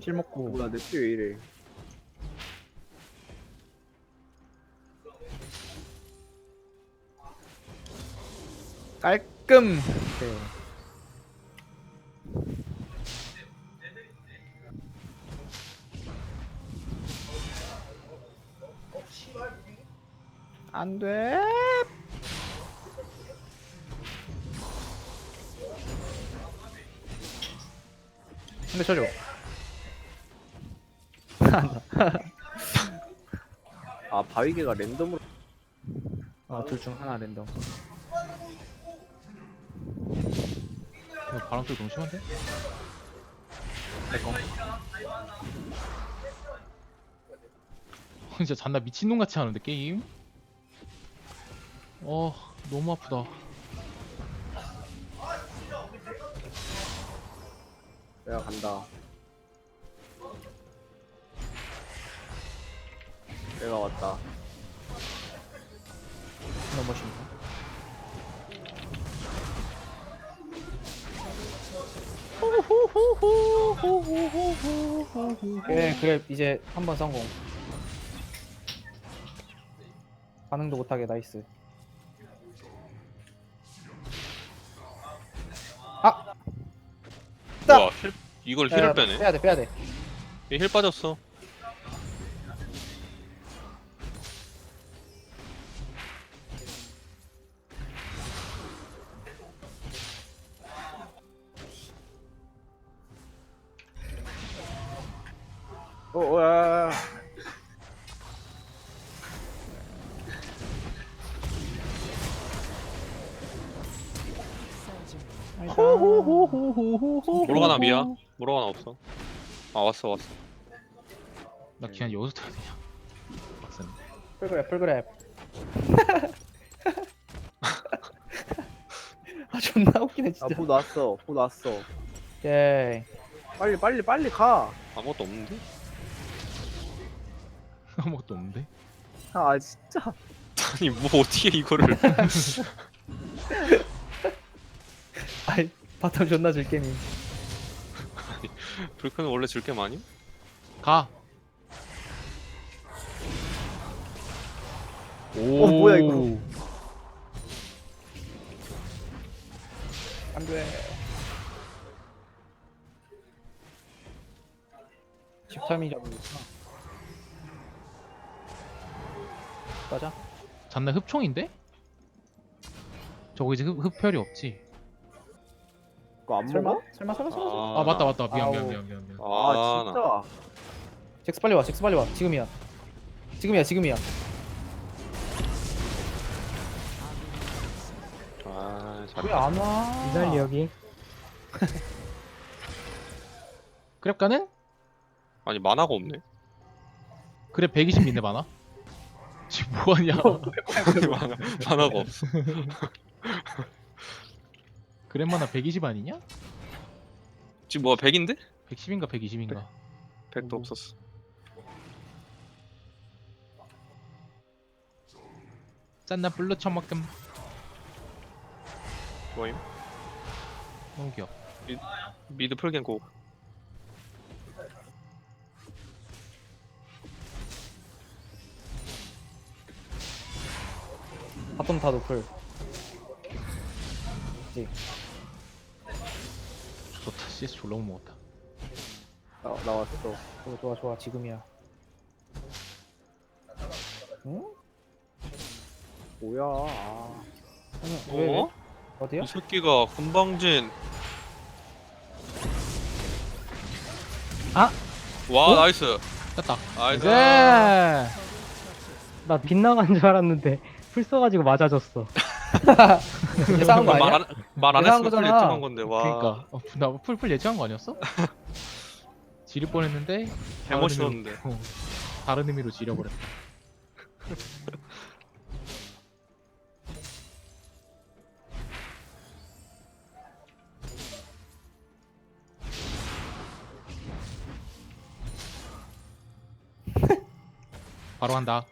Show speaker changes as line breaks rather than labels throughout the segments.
킬 먹고.
뭐야 내 피 왜 이래?
깔끔. 네. 안 돼. 근데 쳐줘.
아 바위개가 랜덤으로.
둘 중 하나 랜덤.
이거 바람 소리 너무 심한데?
내꺼.
진짜 잔나 미친놈 같이 하는데 게임? 너무 아프다.
내가 간다. 내가 왔다.
넘어십니다. 그래 이제 한번 성공. 반응도 못하게 나이스. 아!
와, 이걸 힐을 빼네.
빼야돼.
얘힐 빠졌어.
와.
모로가나 미야. 모로가나 없어. 아 왔어.
나 그냥 여기서 타야 되냐? 빡센데.
풀그랩. 아 존나 웃기네 진짜.
아보 났어. 보 났어.
예.
빨리 가.
아무것도 없는데?
아무것도 없는데?
아 진짜.
아니 뭐 어떻게 이거를?
아이 바텀 존나 줄 게임.
불크는 원래 줄게 많이?
가!
뭐야, 이거.
안돼. 13이잖아. 맞아?
잔나 흡총인데? 저거 이제 흡혈이 없지?
그거 안
설마?
먹어?
설마.
아 맞다 미안.
아
나.
진짜.
잭스 빨리 와. 지금이야.
잘.
왜 안 와?
이달리 여기.
그랩 가는?
아니 만화가 없네.
그랩 120인데 많아? 지금 뭐하냐?
만화가 없어.
그랩 만화 120 아니냐?
지금 뭐야 100인데?
110인가 120인가?
100도 없었어.
짠나 블루 처먹금.
뭐임?
너무 귀여워.
미드 풀갱고.
바텀 다 노플.
좋다. CS 졸라 못 먹었다.
나왔어.
좋아. 지금이야. 응?
뭐야? 아.
왜?
어?
어디야?
이 새끼가 금방진.
아!
와 나이스.
땄다.
나이스.
네. 나 빗나간 줄 알았는데 풀 써가지고 맞아줬어.
예상한 거 아니야?
말안
예상한
했으면 풀
거잖아.
예측한 건데 와.
그니까 나 풀 예측한 거 아니었어? 지릴 뻔했는데
개멋있었는데.
다른 의미로 지려버렸다. 바로 간다.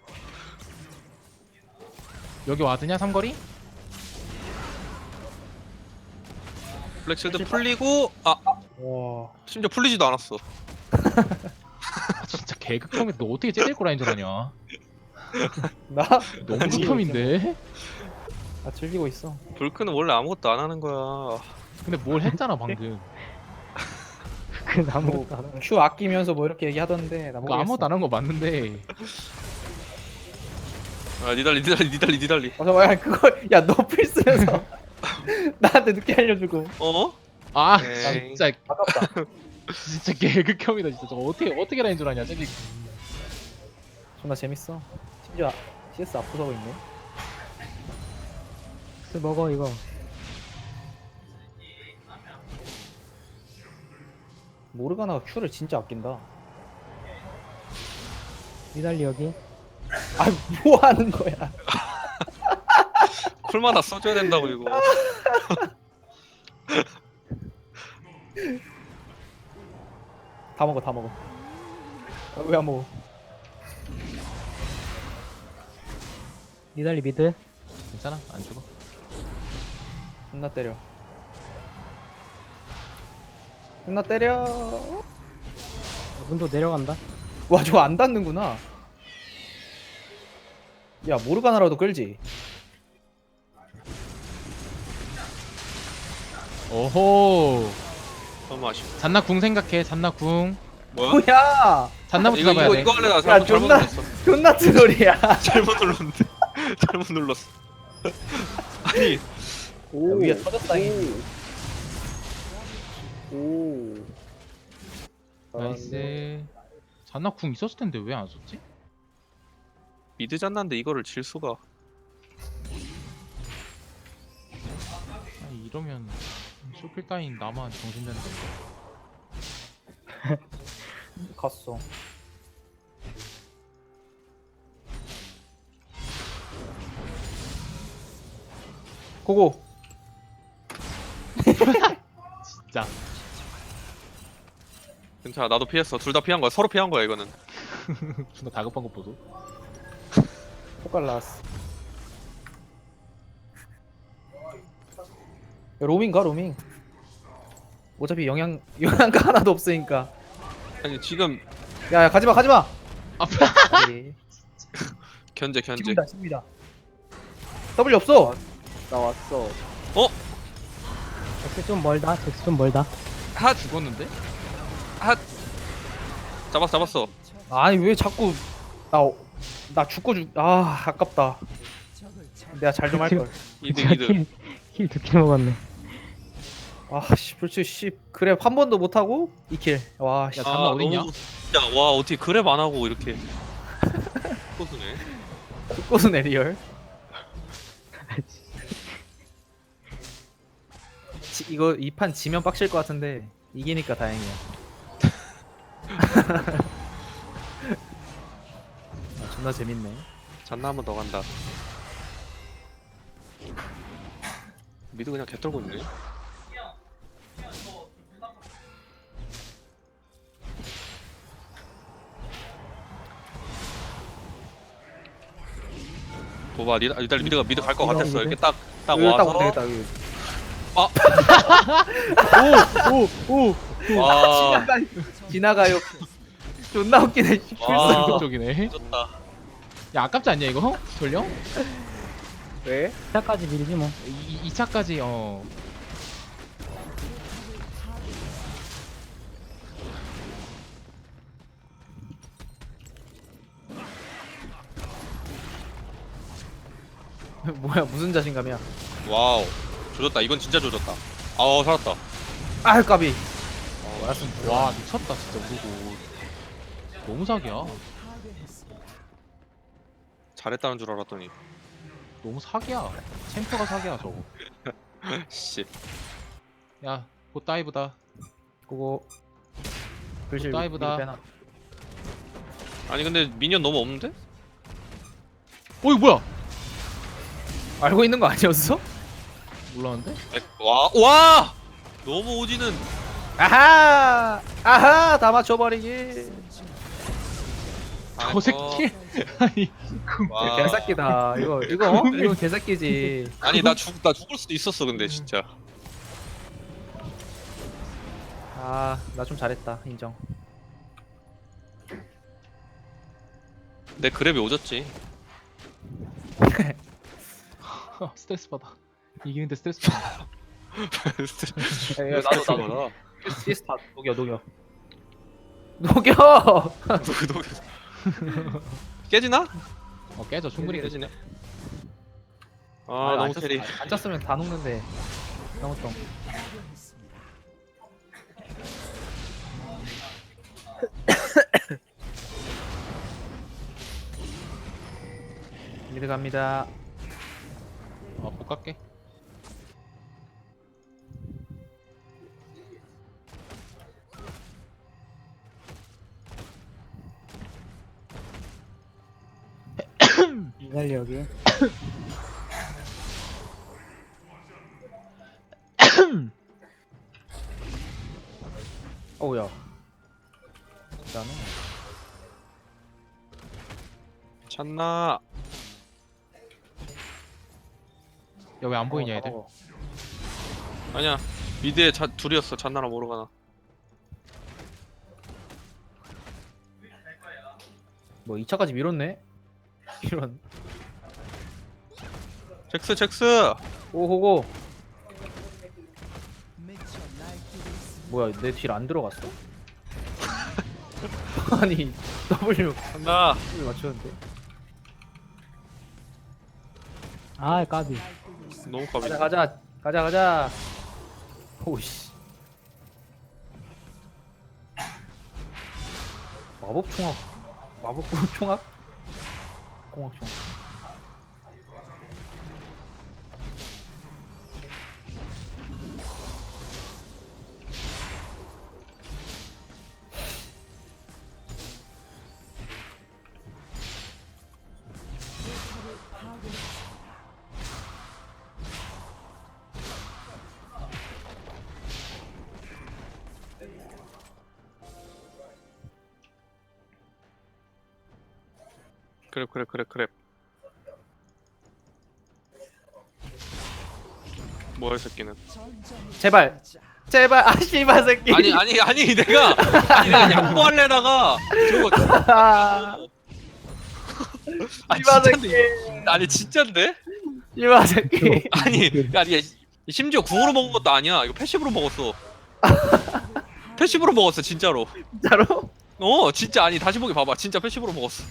여기 와드냐 삼거리?
블랙실드 풀리고 아
와.
심지어 풀리지도 않았어.
아, 진짜 개극혐이 너 어떻게 째릴 거라인 줄 아냐?
나?
너무 극혐인데?
나 즐기고 있어.
불크는 원래 아무것도 안 하는 거야.
근데 뭘 했잖아 방금.
그 아무것도 안 하고.
Q 아끼면서 뭐 이렇게 얘기하던데 나
그거
모르겠어.
아무것도 안 한 거 맞는데.
아 니달리.
어, 잠깐만, 그걸, 야, 너 필수면서 나한테 늦게 알려주고.
어?
아
에이.
진짜
아깝다.
진짜 개극혐이다 진짜. 저거 어떻게 라인 줄 아냐 쟤.
존나 재밌어. 심지어 CS 앞서고 있네.
술 먹어 이거.
모르가나가 Q를 진짜 아낀다.
니달리 여기.
아, 뭐 하는 거야?
쿨마다 써줘야 된다고 이거.
다 먹어, 다 먹어. 아, 왜 안 먹어?
니달리 미드.
괜찮아 안 죽어.
존나 때려. 존나 때려.
문도 내려간다.
와, 저거 안 닿는구나. 야, 모르가나라도 끌지.
오호.
너무 아쉽다.
잔나 궁 생각해. 잔나 궁.
뭐야?
뭐야?
잔나부터
이거
잡아야 돼.
이거 할래 나
야,
잘못
존나,
눌렀어.
존나 트롤이야.
잘못 눌렀는데. 잘못 눌렀어. 아니
야, 위에 터졌다.
오.
나이스. 잔나 궁 있었을 텐데 왜 안 썼지?
미드 잤는데 이거를 질 수가.
아, 이러면 쇼필 따윈 나만 정신되는 건가?
갔어. 고고.
진짜.
괜찮아 나도 피했어. 둘 다 피한 거야. 서로 피한 거야 이거는.
존나 다급한 거 보소.
폭발 나왔어. 야, 로밍가 로밍. 어차피 영양가 하나도 없으니까.
아니 지금
야, 가지마 가지마. 네.
견제.
지금이다 지금이다. W 없어.
나 왔어.
잭스 좀 멀다. 잭스 좀 멀다.
핫
죽었는데?
잡았어.
아니 왜 자꾸 나 죽고 아 아깝다. 내가 잘 좀 할 걸.
미드.
킬 2킬 먹었네.
아씨 불치 씨 그래 한 번도 못 하고 2킬. 와 씨.
야, 잔나 어딨냐?
너무- 야, 와 어떻게 그랩 안 하고 이렇게 꼬수네.
꽃은 리얼. 이거 이 판 지면 빡칠 것 같은데 이기니까 다행이야. 아, 존나 재밌네.
잔나 한 번 더 간다. 미드 그냥 개떨고 있네. 봐봐 일단 미드 갈 것
이거
같았어.
미드?
이렇게 딱
여기 딱
와서
되겠다. 여기.
와
지나가요. 존나 웃기네. 씨,
와.
불쌍해.
쪽이네.
좋다.
야 아깝지 않냐 이거? 돌려?
왜?
2차까지 밀지 뭐.
2차까지
뭐야 무슨 자신감이야.
와우 조졌다. 이건 진짜 조졌다. 아우 살았다.
아 까비.
와 미쳤다 진짜 우르고. 너무 사기야.
잘했다는 줄 알았더니
너무 사기야. 챔프가 사기야 저거.
씨.
야 곧 다이브다.
그거 글씨
다이브다.
위로 빼놔.
아니 근데 미니언 너무 없는데?
어이 뭐야?
알고 있는 거 아니었어?
몰랐는데?
와 너무 오지는.
아하 다 맞춰버리기.
저 새끼. 아니
와.
개새끼다. 이거 개새끼지.
아니 나 죽을 수도 있었어 근데 진짜.
아 나 좀 잘했다 인정.
내 그랩이 오졌지.
스트레스 받아. 이기는데 스트레스 받아.
야, 나도
나도
시스타 녹여. 녹여.
누구 깨지나?
깨져 충분히 깨져.
깨지네. 아 너무 캐리.
안 짰으면 다 녹는데. 너무 좀. 미드 갑니다.
못 갈게.
이달력이.
어우야. 나는
찬나.
야 왜 안 보이냐 애들?
아니야. 미드에 둘이었어. 찬나랑 모르가나.
뭐 2차까지 밀었네. 이런.
잭스.
오호고. 뭐야 내 딜 안 들어갔어? 아니 W
찬나.
맞췄는데.
아 까비.
너무 까비.
가자. 오이씨. 마법 총악? 공학 총악.
그랩. 뭐야 이 새끼는.
제발 아 씨발 새끼.
아니 내가 양보하려다가 저거
씨발 새끼.
아니 진짠데?
씨발 새끼.
아니 심지어 궁으로 먹은 것도 아니야. 이거 패시브로 먹었어. 패시브로 먹었어 진짜로.
진짜로?
진짜 아니 다시 보기 봐봐. 진짜 패시브로 먹었어.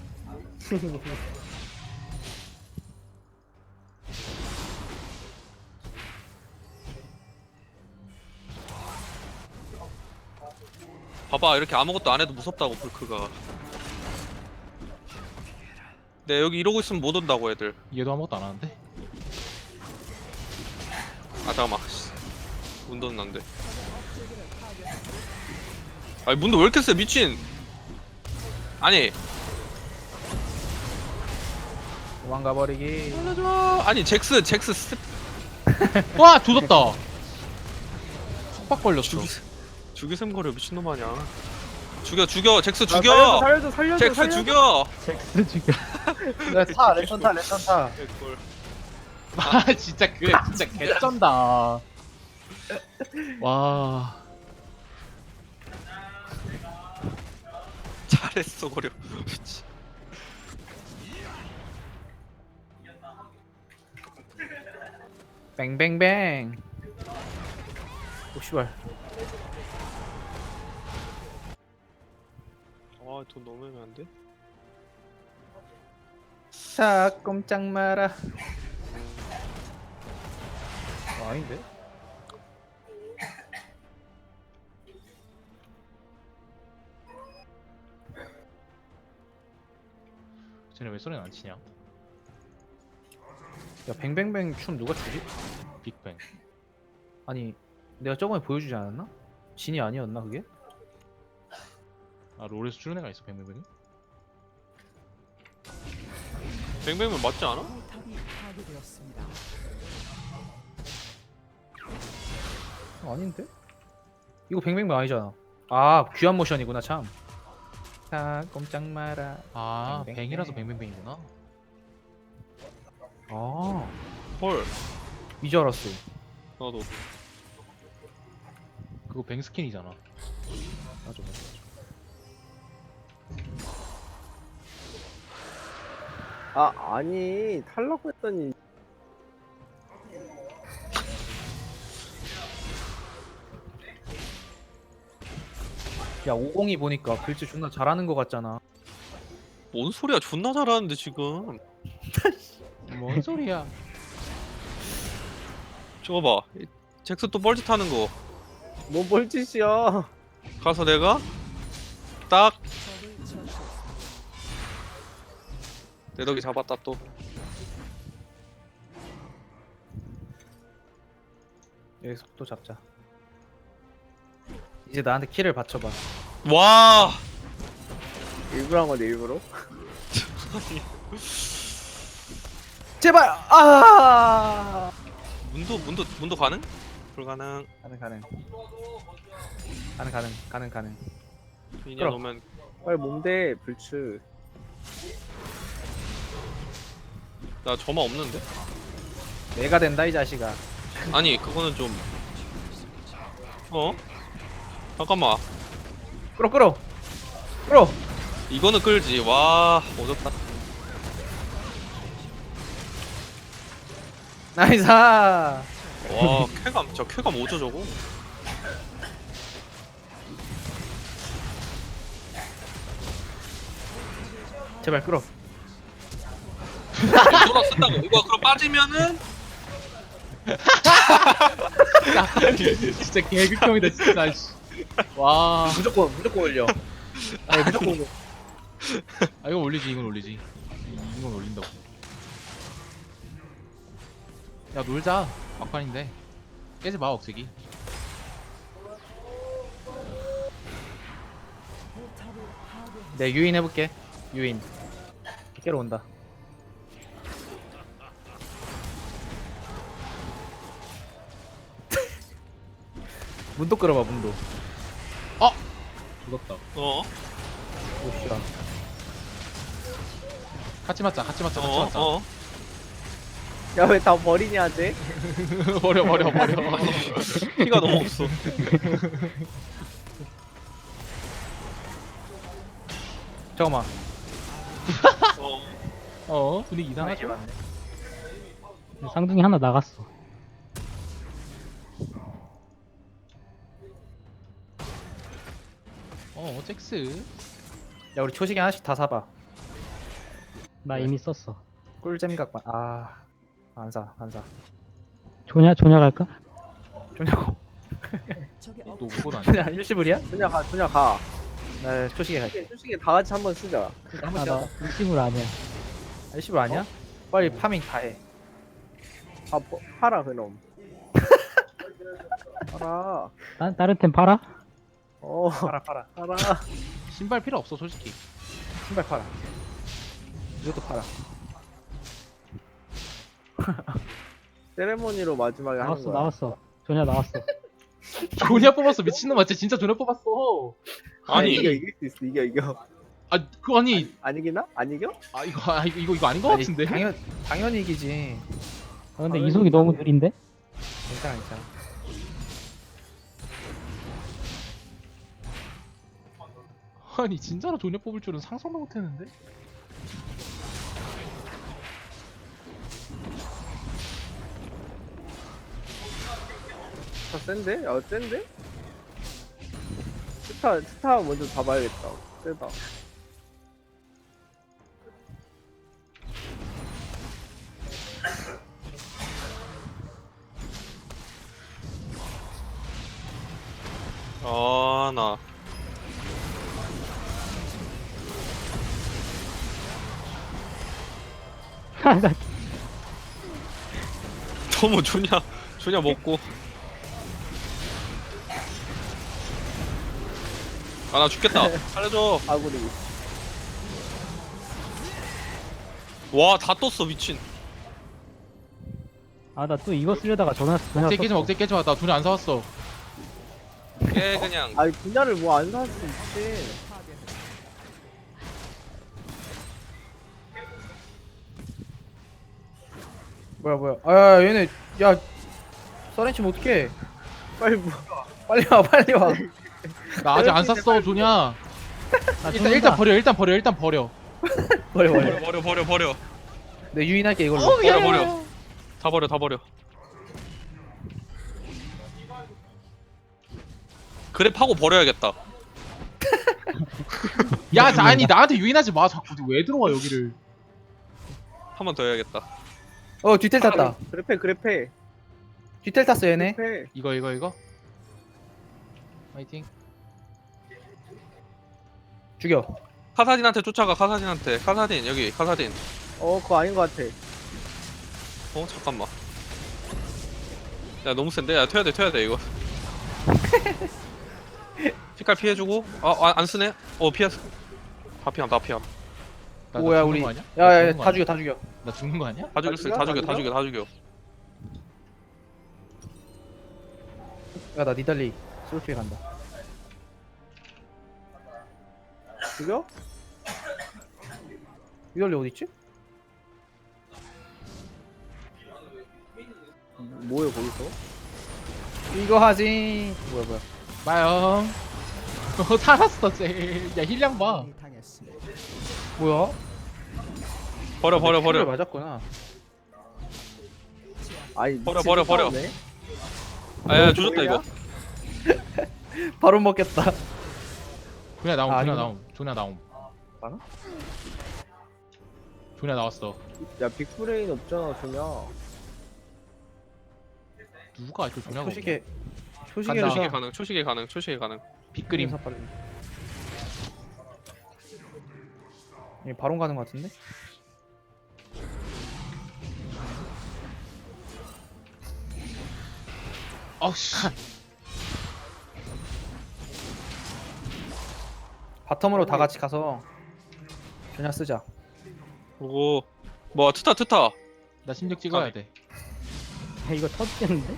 봐봐 이렇게 아무것도 안 해도 무섭다고 불크가. 네 여기 이러고 있으면 못 온다고 애들.
얘도 아무것도 안 하는데?
아 잠깐만. 문도는 난데. 아니 문도 왜 이렇게 세 미친. 아니
도망가 버리기.
살려줘. 아니 잭스
와 조졌다. 속박 걸렸어.
죽이셈거려 미친놈 아니야. 죽여 잭스 죽여.
살려줘.
잭스 죽여.
잭스 죽여.
타 랜턴 타.
개꿀.
아 진짜 그래 진짜 개쩐다. 와.
잘했어 거려. 미치.
뱅뱅뱅. 오 씨발.
돈 너무 애매한데?
사 꼼짝 마라. 아닌데?
쟤네 왜 소리는 안 치냐?
야 뱅뱅뱅 춤 누가 추지?
빅뱅.
아니 내가 저번에 보여주지 않았나? 진이 아니었나 그게?
아 롤에서 추는 애가 있어 뱅뱅뱅이?
뱅뱅은 맞지 않아?
포탑이 파괴되었습니다.
아닌데? 이거 뱅뱅뱅 아니잖아. 아 귀한 모션이구나 참. 사 꼼짝 마라.
아
뱅뱅뱅.
뱅이라서 뱅뱅뱅이구나.
아
헐.
이제 알았어.
나도.
그거 뱅 스킨이잖아.
맞아.
아 아니 탈라고 했더니
야 502 보니까 글씨 존나 잘하는 거 같잖아.
뭔 소리야? 존나 잘하는데 지금.
뭔 소리야?
저거 봐. 잭스 또 뻘짓하는 거.
뭔 볼짓이야.
가서 내가 딱
적을 처치했습니다.
내 덕에 잡았다 또.
여기서 또 잡자. 이제 나한테 키를 받쳐봐.
와.
일부러 한 건데 일부러.
제발. 아.
문도 가능? 불가능.
가능.
이냐
그럼.
놓으면
빨리 뭔데 불츠.
나 점화 없는데?
내가 된다 이 자식아.
아니 그거는 좀. 어? 잠깐만.
끌어.
이거는 끌지. 와 어렵다.
나이사.
와 쾌감 저 쾌감 오죠 저거.
제발 끌어.
돌아 쓴다고. 이거 그럼 빠지면은
진짜 개극혐이다 진짜. 씨. 와.
무조건 올려. 아니 무조건 올려.
아 이건 올리지 이건 올린다고. 야 놀자. 막판인데 깨지 마 억제기.
내 유인 해볼게. 유인. 깨러 온다. 문도 끌어봐 문도.
죽었다.
어?
오씨야.
같이 맞자.
어?
야 왜 다 버리냐 쟤?
버려.
피가 너무 없어.
잠깐만.
분위기 이상하죠?
쌍둥이 하나 나갔어.
잭스.
야 우리 초식이 하나씩 다 사봐.
나 이미 썼어.
꿀잼 각반. 안 사.
조냐 갈까?
좋냐고.
적의
또 그건 아니야.
그냥 일시불이야?
준야 가.
나 초식이 갈게.
솔직히 다 같이 한번 쓰자.
나 일심을 안 해.
일시불 아니야? 빨리 파밍 다 해.
아 팔아 그럼. 팔아.
다른 템 팔아?
팔아.
팔아.
신발 필요 없어 솔직히.
신발 팔아. 이것도 팔아.
세레모니로 마지막에 하는 거야.
나왔어. 조냐 나왔어.
조냐 뽑았어 미친놈아. 진짜 조냐 뽑았어.
아니
이길 수 있어. 이겨.
그거 아니.
안 이기나? 안 이겨?
이거 아닌 거 같은데.
당연히 이기지.
근데 이속이 너무 느린데?
괜찮아.
아니 진짜로 조냐 뽑을 줄은 상상도 못했는데.
센데? 야 센데? 스타 먼저 잡아야겠다. 세다.
나
나
너무 조냐 먹고. 나 죽겠다. 살려줘.
아구리.
와 다 떴어 미친.
나 또 이거 쓰려다가 조냐
억제 깨지 마. 나 조냐 안 사왔어.
깨 그냥.
아니 분야를 뭐 안 살 수 있지.
뭐야. 아 얘네 야 서렌치 뭐 어떡해.
빨리 뭐.
빨리 와.
나 아직 안 샀어 조냐. 일단 버려.
버려.
버려.
내 유인할게 이걸로.
버려 버려. 다 버려 다 버려. 그래 파고 버려야겠다.
야, 아니 나한테 유인하지 마. 자꾸 왜 들어와 여기를?
한 번 더 해야겠다.
뒤텔 탔다.
그래페
뒤텔 탔어 얘네.
그래페.
이거. 파이팅.
죽여.
카사딘한테 쫓아가. 카사딘한테. 카사딘 여기 카사딘.
그거 아닌 것 같아.
잠깐만. 야 너무 센데? 야 튀어야 돼 이거. 색깔 피해주고. 안 쓰네. 피했어. 다 피함.
나
뭐야
죽는
우리.
거 아니야?
야야
나
다
죽는 거
죽여 다 죽여.
아니야? 나 죽는 거 아니야?
다 죽였어.
야 나 니달리 솔직히 간다.
죽여?
니달리 어디 있지?
뭐야 거기서?
이거 하지. 뭐야.
마영. 살았어 쟤. 야 힐량 봐.
당했습니다.
뭐야?
버려.
킬을 맞았구나.
아니
버려.
싸우네.
야 조졌다 이거.
바로 먹겠다.
조냐 나옴.
아니구나.
조냐 나옴.
나나?
조냐 나왔어.
야 빅브레인 없잖아 전혀.
누가 저 조냐가?
초식에
간다.
초식에서
초식에 가능.
빅그림.
얘 바론 가는 것 같은데?
어씨.
바텀으로 다 같이 가서 그냥 쓰자.
그리고 뭐 트타.
나 심력 찍어야 돼.
야, 이거 터지겠는데?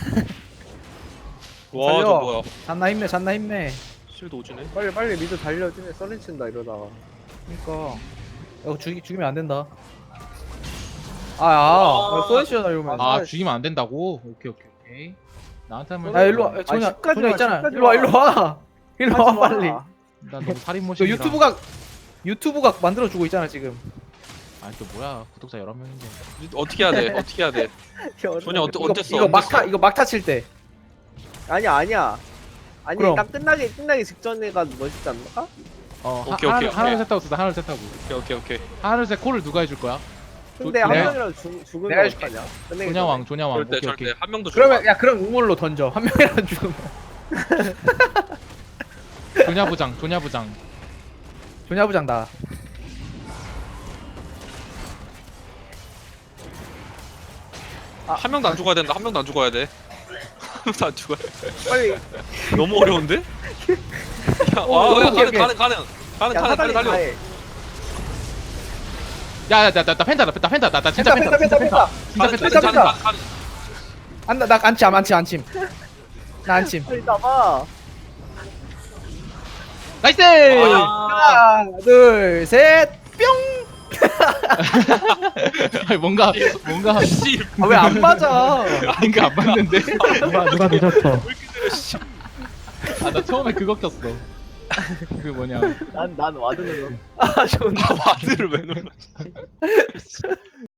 와
살려.
저 뭐야.
잔나 힘내.
실드 오지네.
빨리 미드 달려주네. 썰린 친다 이러다가.
그니까 이거 죽이면 안 된다. 써있잖아 이러면.
아 죽이면 안 된다고? 오케이. 나한테 하면.
야 일로 와. 전혀
10까지
전혀
와,
있잖아.
10까지
일로 와. 일로 와 빨리.
난 너무 살인
저
모션이라.
유튜브각 만들어 주고 있잖아 지금.
아니 또 뭐야? 구독자 여러 명인데.
어떻게 해야 돼? 전혀 어땠어?
이거 막타 칠 때.
아니야. 아니
그럼.
딱 끝나기 직전에가 멋있지 않나?
오케이.
하나 둘 셋 하고 쓰자. 하나 둘 셋 하고.
오케이.
하나 둘 셋 콜을 누가 해줄 거야?
근데
내가-
한 명이라도 죽으면
내가 해줄게.
어떡하냐? 끝내기
조냐왕.
절대
오케이.
한 명도
그러면 야 그럼 우물로 던져. 한 명이라도 죽으면.
조냐부장.
조냐부장 나.
한 명도 안 죽어야 된다. 한 명도 안 죽어야 돼. 다 죽어야 돼.
빨리.
너무 어려운데? 야,
오케이.
가능.
야
빨리
사다리
달려.
다해.
야, 나 펜타. 나 진짜 펜타.
펜타. 펜타.
가능.
나 안침. 나 안침.
빨리 나봐.
나이스!
하나, 둘, 셋, 뿅.
아니, 뭔가
씨.
왜 안 맞아?
뭔가 안 맞는데?
누가 늦었어.
나 처음에 그거 꼈어. 그 뭐냐?
난 와드는 거.
아, 좋네.
와드를 왜 눌러?